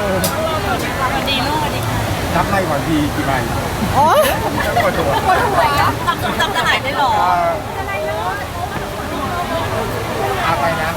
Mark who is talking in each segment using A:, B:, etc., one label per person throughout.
A: วันดีลูกวันดีค่ะ
B: นับให้ก่อนทีกี่ใบ
C: โอ้ย
B: ปวดหัว
A: ปวดหัวจำจะหายได้หรอ
B: เอาไปนะ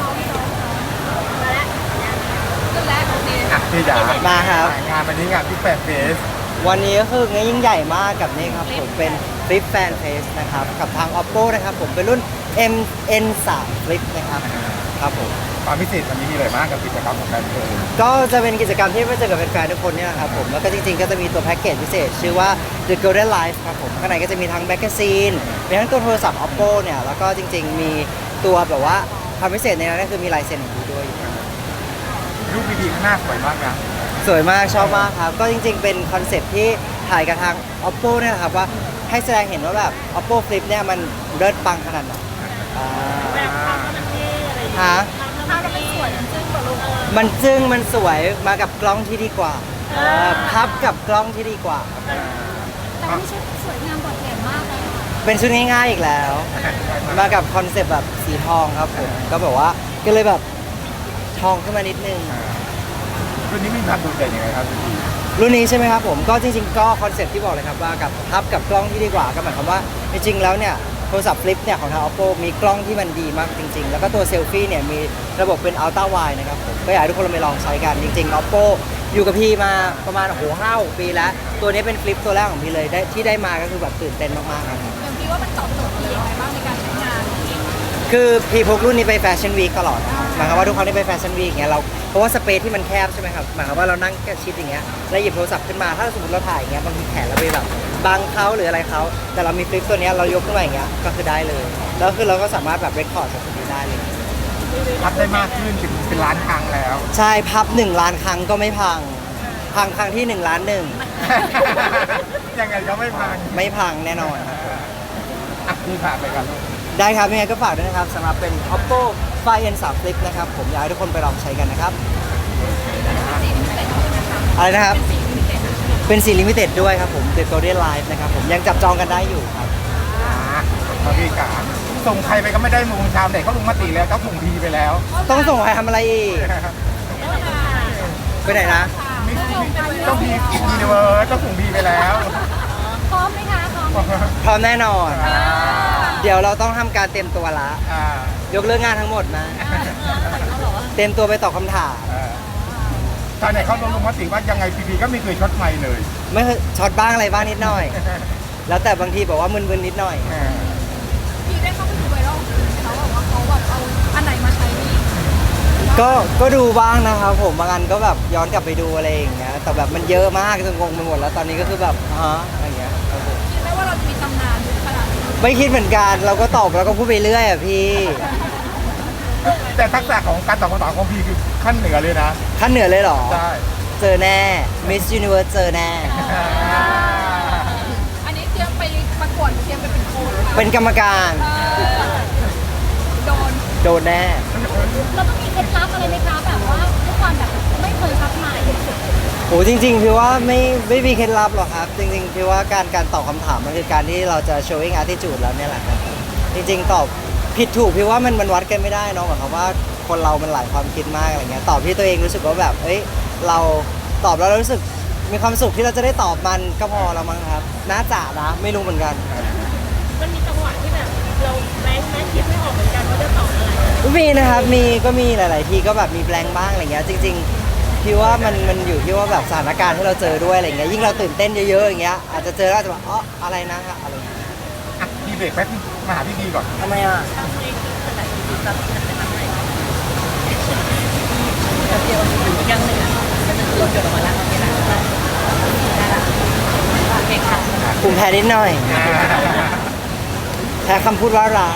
B: พี่จ๋า
C: มาครับ
B: งานวันนี้งานที่แฟนเฟส
C: วันนี้ก็คืองานยิ่งใหญ่มากกับนี่ครับผมเป็น Flip Fan Fest นะครับกับทาง Oppo นะครับผมเป็นรุ่น MN3 Flip นะครับครับผม
B: ความพิเศษวันนี้มีอะไรบ้างกับกิจกรรมของแฟนเฟส
C: ก็จะเป็นกิจกรรมที่ไปเจอกับแฟนๆทุกคนเนี่ยครับผมแล้วก็จริงๆก็จะมีตัวแพ็กเกจพิเศษชื่อว่า The Golden Life ครับผมข้างในก็จะมีทั้งแมกกาซีนมีทั้งตัวโทรศัพท์ Oppo เนี่ยแล้วก็จริงๆมีตัวแบบว่าความพิเศษในนั้นก็คือมีลายเซ็นของพี่ด้วย
B: รูปดีๆข้างหน้าสวยมากนะ
C: สวยมากชอบมากครับก็จริงๆเป็นคอนเซ็ปต์ที่ถ่ายกับทาง Oppo เนี่ยครับว่าให้แสดงเห็นว่าแบบ Oppo Flip เนี่ยมันเลิศปังขนาดไหนฮะมันจึ้งมันสวยมากับกล้องที่ดีกว่าพับกับกล้องที่ดีกว่า
A: แต่ไม่ใช่สวยงามโดดเด่นมากเลย
C: เป็นชุดง่ายๆอีกแล้วมากับคอนเซ็ปต์แบบสีทองครับผมก็แบบว่าก็เลยแบบทองขึ้นมานิดนึง
B: รุ่นนี้มีความโดดเด่นยังไงครับ
C: รุ่นนี้ใช่ไหมครับผมก็จริงๆก็คอนเซ็ปต์ที่บอกเลยครับว่ากับพับกับกล้องที่ดีกว่าก็หมายความว่าจริงๆแล้วเนี่ยโทรศัพท์ฟลิปเนี่ยของทาง Oppo มีกล้องที่มันดีมากจริงๆแล้วก็ตัวเซลฟี่เนี่ยมีระบบเป็น Ultra Wide นะครับผมก็อยากให้ทุกคนไปลองใช้กันจริงๆ Oppo อยู่กับพี่มาประมาณ5-6 ปีแล้วตัวนี้เป็นฟลิปตัวแรกของพี่เลยที่ได้มาก็คือแบบตื่นเต้นมากๆครับ
A: อย่างพี่ว่ามันตอบโจทย์อะไรยังไงบ้างในการใช้งาน
C: คือพี่พกรุ่นนี้ไปแฟชั่นวีคตลอดหมายความว่าทุกครั้งที่ไปแฟชั่นวีคอย่างเงี้ยเราเพราะว่าสเปซที่มันแคบใช่ไหมครับหมายความว่าเรานั่งแค่ชิดอย่างเงี้ยแล้วหยิบโทรศัพท์ขึ้นมาถ้าสมมติเราถ่ายอย่างเงี้ยบางทีแขนเราไปแบบบังเขาหรืออะไรเขาแต่เรามีฟลิปตัวนี้เรายกขึ้นมาอย่างเงี้ยก็คือได้เลยแล้วคือเราก็สามารถแบบเรคคอร์ดจากตรงนี้ได้เลย
B: พับได้มากขึ้นถึงเป็นล้านครั้งแล้ว
C: ใช่พับ1 ล้านครั้งก็ไม่พังครั้งที่1 ล้าน 1
B: ยังไงก็ไม่
C: พังแน่นอน
B: พี่ผ่านไปกัน
C: ได้ครับยังไงก็ฝากด้วยนะครับสำหรับเป็น Oppo Find N3 Flip นะครับผมอยากให้ทุกคนไปลองใช้กันนะครับอะไรนะครับเป็นสีลิมิเต็ดด้วยครับผม The Golden Life นะครับผมยังจับจองกันได้อยู่ครับ
B: พี่กาส่งใครไปก็ไม่ได้มุงชาวเน็ตเขาลงมติแล้วเขาส่งพีไปแล้ว
C: ต้องส่งใครทำอะไรอีกไปไหนนะ
B: ต้องพียูนิเวิร์สต้องส่งพีไปแล้ว
A: พร้อมไหมคะ
C: พร้อมแน่นอนเดี๋ยวเราต้องทำการเตรียมตัวละยกเลิกงานทั้งหมดนะเตรียมตัวไปตอบคำถาม
B: ชาวเน็ตเขาลงมติว่ายังไงพีก็ไม่เคยช็อตไมค์เลย
C: ไม่ช็อตบ้างอะไรบ้างนิดหน่อยแล้วแต่บางทีบอกว่ามึนๆนิดหน่อย
A: พี่ได้เข้าไปดูไวรัลเขาบอกว่าเขาแบบเอาอันไหนมาใช้นี่
C: ก็ดูบ้างนะครับผมบางอันก็แบบย้อนกลับไปดูอะไรอย่างเงี้ยแต่แบบมันเยอะมากจนงงไปหมดแล้วตอนนี้ก็คือแบบอะไรอย่างเงี้ย
A: คิดไหมว่าเราจะมีตำนานขนาดนี้
C: ไม่คิดเหมือนกันเราก็ตอบแล้วก็พูดไปเรื่อยอ่ะพี่
B: แต่ทักษะของการตอบคำถามของพี่คือขั้นเหนือเลยนะ
C: ขั้นเหนือเลยเหรอ
B: ใช่
C: เจอแน่ Miss Universe เจอแน่
A: อันนี้เตรียมไปประกวดเตรียมไปเป็นโค้ช
C: เป็นกรรมการโดนแน่
A: เราต้องมีเคล็ดลับอะไรไหมคะแบบว่าทุกคนแบบไม่เคยทักมา
C: โหจริงๆพี่ว่าไม่มีเคล็ดลับหรอกครับจริงๆพี่ว่าการตอบคำถามมันคือการที่เราจะ showing attitude แล้วเนี่ยแหละครับจริงๆตอบผิดถูกพี่ว่ามันวัดกันไม่ได้เนาะหมายความว่าคนเรามันหลายความคิดมากอะไรเงี้ยตอบที่ตัวเองรู้สึกว่าแบบเราตอบแล้วเรารู้สึกมีความสุขที่เราจะได้ตอบมันก็พอแล้วมั้งครับน่าจะนะไม่รู้เหมือนกัน
A: มันมีจังหวะที่แบบเราแม้คิดไม่ออกเหมือนกันว่าจะตอบอะไร
C: มีนะครับมีหลายๆทีก็แบบมีแบงค์บ้างอะไรเงี้ยจริงๆพี่ว่ามันอยู่ที่ว่าแบบสถานการณ์ที่เราเจอด้วยอะไรเงี้ยยิ่งเราตื่นเต้นเยอะๆอย่างเงี้ยอาจจะเจอแล้วจะแบบอะไรนะครับอะไร
B: พี่เบรกแป๊บมาหาพี่ก่อน
C: ทำไมอ่ะ
A: ยังหนึ่งรถจอดออกมาแล้วโอเคนะได้ละโอเคค่ะ
C: ผมแพ้นิดหน่อยแพ้คำพูดว่ารัก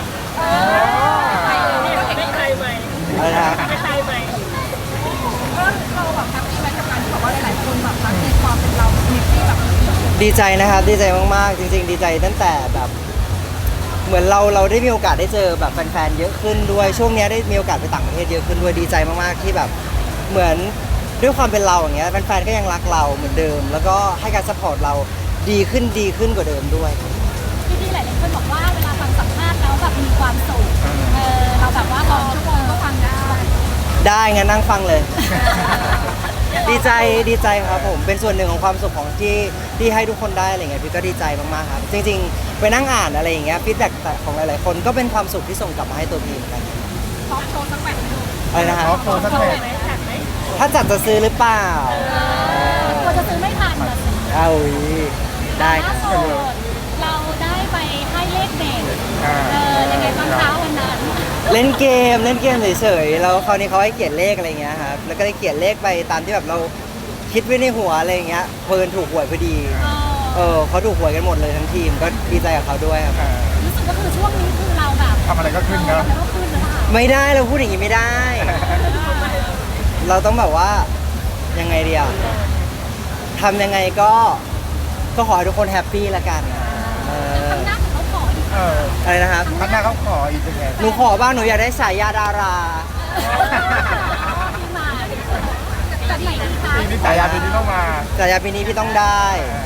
C: อะไรนะ
A: ใช่ไหมก็เราแบบแฮปปี้ไหมกับการที่บอกว่าหลายๆคนแบบรักในความเป็นเรามีที่แบบ
C: ดีใจนะครับดีใจมากๆจริงๆดีใจตั้งแต่แบบเหมือนเราได้มีโอกาสได้เจอแบบแฟนๆเยอะขึ้นด้วยช่วงนี้ได้มีโอกาสไปต่างประเทศเยอะขึ้นด้วยดีใจมากๆที่แบบเหมือนด้วยความเป็นเราอย่างเงี้ยแฟนๆก็ยังรักเราเหมือนเดิมแล้วก็ให้การซัพพอร์ตเราดีขึ้นกว่าเดิมด้วย
A: ที่หลายๆคนบอกว่าเวลาฟังสัมภาษณ์แล้วแบบมีความสุขเราแบบว่าตอนชั่วโมงก็ฟังได้
C: งั้นนั่งฟังเลยดีใจครับผมเป็นส่วนหนึ่งของความสุขของที่ให้ทุกคนได้อะไรเงี้ยพี่ก็ดีใจมากๆครับจริงๆไปนั่งอ่านอะไรอย่างเงี้ยฟีดแบ็กของหลายๆคนก็เป็นความสุขที่ส่งกลับมาให้ตัวพี่เหมือนกัน
A: ซ้อมโชว์สักแมตช์หนึ่ง
C: อะไรนะฮะ
B: ขอโชว์สักแมตช์
A: ไหมจัดไหม
C: ถ้าจัดจะซื้อหรือเปล่า
A: กลัวจะซื้อไม่ทันแบบ
C: เอาอีกได้ค
A: ล่า
C: รับ
A: สุดเราได้ไปให้เลขเด็ก
B: อ่า
A: ยังไงบ้างคะวันนั้น
C: เล่นเกมเฉยๆแล้วคราวนี้เขาให้เขียนเลขอะไรเงี้ยครับแล้วก็ได้เขียนเลขไปตามที่แบบเราคิดไว้ในหัวอะไรเงี้ยเพลินถูกหวยพอดีเขาถูกหวยกันหมดเลยทั้งทีมก็ดีใจกับเขาด้วยครับ
B: อ่า
A: รู้สึกว่าคือช่วงนี้คือเราแบบ
B: ทำอะไรก็ขึ้นเนอะ
A: ทำอะไรก็ขึ้นเลยค่ะ
C: ไม่ได้เราพูดอย่างนี้ไม่ได้ เราต้องแบบว่ายังไงเดียวทำยังไงก็ขอให้ทุกคนแฮปปี้ละกันเออ
A: ทำหน้าของเขาขออีก
B: เออ
C: อะไรนะครับ
B: ข้างหน้าเขาขออีกเป็นไง
C: หนูขอบ้างหนูอยากได้ฉายาดารา
A: ที่มาจากไหนดีคะ
B: ปีนี้สายยาปีนี้ต้องมา
C: ฉายาปีนี้พี่ต้องได้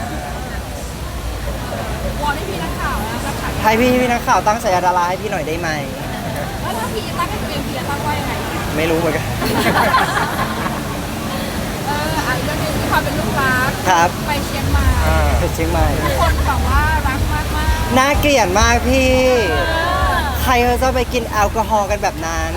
A: วอนให้พี่นักข่าวนะนักข่าว
C: ให้พี่นักข่าวตั้งฉายาดาราให้พี่หน่อยได้ไหม
A: แล้วถ้าพี่ตั้งให้ตัวเองพี่จะตั้งว่ายังไง
C: ไม่รู้เหมือนกัน
A: อันก็คือที่ความเป็นลูกรัก
C: ครับ
A: ไปเชียงใหม่
B: อ่า
C: เชียงใหม่
A: ทุกคนแบบว่ารักมากมาก
C: น่าเกลียดมากพี่ ใครเขาจะไปกินแอลกอฮอล์กันแบบนั้น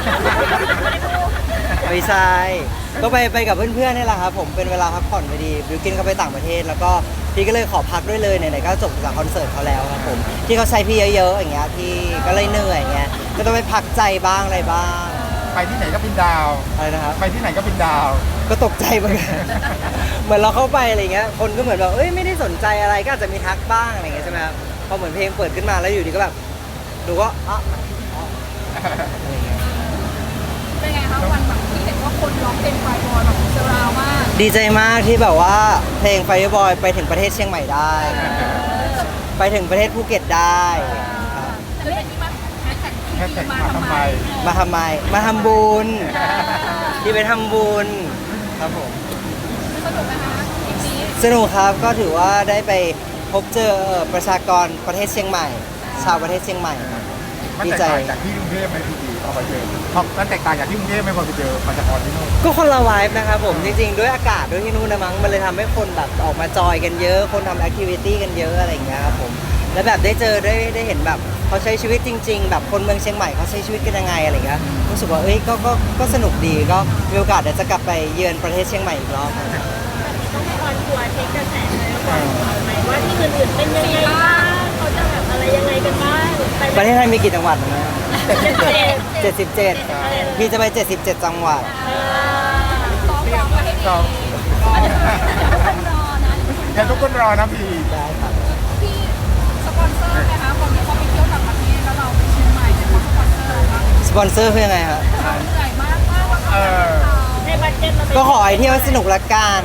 C: ไม่ใช่ก็ไปกับเพื่อนๆนี่แหละครับผมเป็นเวลาพักผ่อนพอดีบิวกินเขาไปต่างประเทศ แล้วก็พี่ก็เลยขอพักด้วยเลยไหนๆก็จบจากคอนเสิร์ตเขาแล้วครับผมที่เขาใช้พี่เยอะๆอย่างเงี้ยพี่ก็เลยเหนื่อยอย่างเงี้ยก็ต้องไปพักใจบ้างอะไรบ้าง
B: ไปที่ไหนก็เป็นดาว
C: อะไรนะครับ
B: ไปที่ไหนก็เป็นดาว
C: ก็ตกใจเหมือนกัน เหมือนเราเข้าไปอะไรเงี้ยคนก็เหมือนแบบเอ้ยไม่ได้สนใจอะไรก็อาจจะมีทักบ้างอะไรเงี้ยใช่ไหมครับพอเหมือนเพลงเปิดขึ้นมาแล้วอยู่ดีก็แบบดูก็อ๋ออะไรเงี้ย
A: เป็นไงคะวันแบบที่เห็นว่าคนร้องเพลงไฟบอลแบบเซราวมาก
C: ดีใจมากที่แบบว่าเพลง Fireboy ไปถึงประเทศเชียงใหม่ได้ ไปถึงประเทศภูเก็ตได้ครับ
A: แต่เรื่องนี้มันแฮชแท็ก
B: แฮชแท็กมาทำไม
C: มาทำไมมาทำบุญที่ไปทำบุญครับผม
A: สนุกนะคะคลิปนี้
C: สนุกครับก็ถือว่าได้ไปพบเจอประชากรประเทศเชียงใหม่ ชาวประเทศเชียงใหม่ครับ
B: มัน
C: ดี
B: แตก
C: ใจ
B: ต่างจากที่กรุงเทพไหมพี่ดีพอไปเจอมันแตกต่างจากที่กรุงเทพไหมพอไปเจอมันจะพอที่นู่น
C: ก็คนละวายนะครับผมจริงๆ ด้วยอากาศด้วยที่นู่นนะมั้งมันเลยทำให้คนแบบออกมาจอยกันเยอะ คนทำแอคทิวิตี้กันเยอะอะไรอย่างเงี้ยครับผมแล้วแบบได้เจอได้เห็นแบบเขาใช้ชีวิตจริง ๆ แบบคนเมืองเชียงใหม่เขาใช้ชีวิตกันยังไงอะไรเงี้ยรู้สึกว่าเอ้ยก็สนุกดีก็มีโอกาสเดี๋ยวจะกลับไปเยือนประเทศเชียงใหม่อีกรอบครับ
A: ต้องให้ออนทัวร์เช็คกระแสเลยว่าที่อื่นๆเป็นยังไงบ้างเขาจะแบบอะไรยังไงกันบ้างไป
C: ประเทศไทยมีกี่จังหวัดนะ
A: เจ็ด
C: 77พี่จะไป 77 จังหวัด
A: ซ้อมร้องมาให้ดี
B: ซ้อม
A: คนรอนะ
B: เดี๋ยวทุกคนรอนะพี่
C: ได้ครับ
A: พี่สปอนเซอร์ไหมคะคนที่เขาไปเที่ยวต่างประเทศแล้วเราไปเชียงใหม่เนี่ยเขาสปอนเซอร์เรา
C: สปอนเซอร์คือยังไงครับ
A: เราเหนื่อยมากว่าเขาในบัตเจ็ตเรา
C: ก็ขอให้เที่ยวสนุกละกัน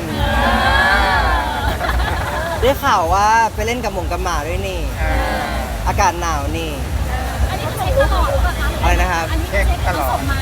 C: ได้ข่าวว่าไปเล่นกับหมงกับหมาด้วยนี่ อากาศหนาวนี่
A: อันนี้เช็คตลอดหรือเปล่าคะ
C: อะไรนะครับ
A: อันนี้เช็คตลอดมา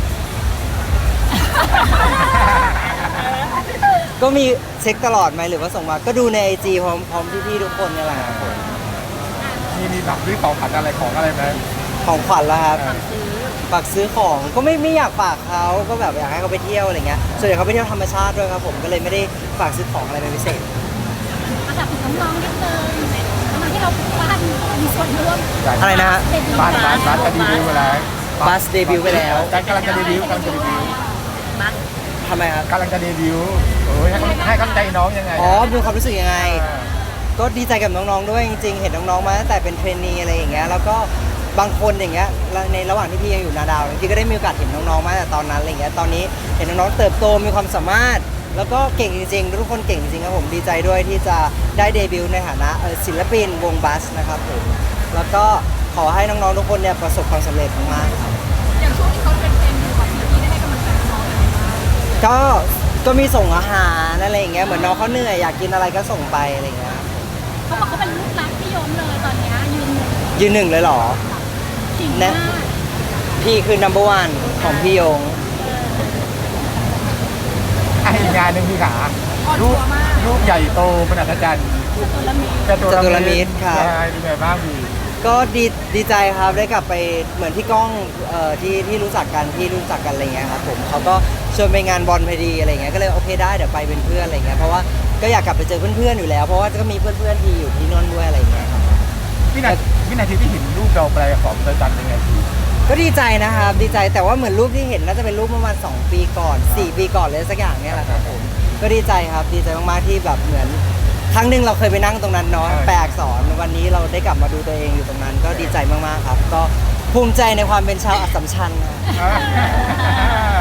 C: ก็มีเช็คตลอดไหมหรือว่าส่งมาก็ดูในไอจีพร้อมพี่ๆทุกคนเนี่ยแหละครับผม
B: มีแบบซื้อของผัดอะไรของอะไรไหม
C: ของขวัญแล้วครับฝากซื้อของก็ไม่อยากฝากเขาก็แบบอยากให้เขาไปเที่ยวอะไรเงี้ยส่วนใหญ่เขาไปเที่ยวธรรมชาติด้วยครับผมก็เลยไม่ได้ฝากซื้อของอะไรเป็นพิเศษ
A: อันดับถึงน้องๆนิดนึงทำไมที่เราบ้านมีส่วนร่วม
C: อะไรนะฮะ
B: บ้านจะดีวิวไปแล้ว
C: บัสเดบิวต์ไปแล้ว
B: กำลังจะเดบิวต์
C: ทำไมครับ
B: กำลังจะเดบิวต์โอ้ยให้กำลังใจน้องยังไง
C: อ๋อมีความรู้สึกยังไง ก็ดีใจกับน้องๆด้วยจริงๆ เห็นน้องๆมาตั้งแต่เป็นเทรนนีอะไรอย่างเงี้ยแล้วก็บางคนอย่างเงี้ยในระหว่างที่พี่ยังอยู่นาดาวพี่ก็ได้มีโอกาสเห็นน้องๆมาตั้งแต่ตอนนั้นอะไรเงี้ยตอนนี้เห็นน้องๆเติบโตมีความสามารถ แล้วก็เก่งจริงๆทุกคนเก่งจริงๆครับผมดีใจด้วยที่จะได้เดบิวต์ในฐานะศิลปินวงบัสนะครับผมแล้วก็ขอให้น้องๆทุกคนเนี่ยประสบความสำเร็จมากๆครับ
A: อย่างช่วงที่เขาเป็นอยู่แบบนี้ได้ให้กำลังใจน้องอะไรบ้าง
C: ก็มีส่งอาหารอะไรอย่างเงี้ยเหมือนน้องเขาเหนื่อยอยากกินอะไรก็ส่งไปอะไรอย่างเงี้ย
A: เขาบอกเขาเป็นลูกรักพี่ยมเลยตอนนี้ยืน
C: ยืนหนึ่งเลยเหรอ
A: จริงมาก
C: พี่คือ number one ของพี่ยง
B: อีกงานหนึ่งพี่ขา
A: อ่อน
B: รู
A: ตัว
B: ป
A: มาก
B: รูปใหญ่โตเป็นอัศจรรย์
A: ตัวละมี
B: จตุ
C: จตุรมิตรครับ
B: ใช่เป็นไงบ้างพี่
C: ก็ดีใจครับได้กลับไปเหมือนพี่ก้องที่รู้จักกันอะไรเงี้ยครับผมเขาก็ชวนไปงานบอลพอดีอะไรเงี้ยก็เลยโอเคได้เดี๋ยวไปเป็นเพื่อนอะไรเงี้ยเพราะว่าก็อยากกลับไปเจอเพื่อนๆอยู่แล้วเพราะว่าก็มีเพื่อนๆที่อยู่ที่นนท์ด้วยอะไรเงี้ยครับ
B: วินาทีที่เห็นรูปเราแปลของเธอจันเป็นไงพี่
C: ก็ดีใจนะครับดีใจแต่ว่าเหมือนรูปที่เห็นน่าจะเป็นรูปประมาณ2 ปีก่อน4 ปีก่อนเลยสักอย่างเนี่ยแหละครับผมก็ดีใจครับดีใจมากๆที่แบบเหมือนครั้งหนึ่งเราเคยไปนั่งตรงนั้นเนาะแปลอักษรวันนี้เราได้กลับมาดูตัวเองอยู่ตรงนั้น ก็ดีใจมากๆครับ ก็ภูมิใจในความเป็นชาวอัสสัมชัญนะ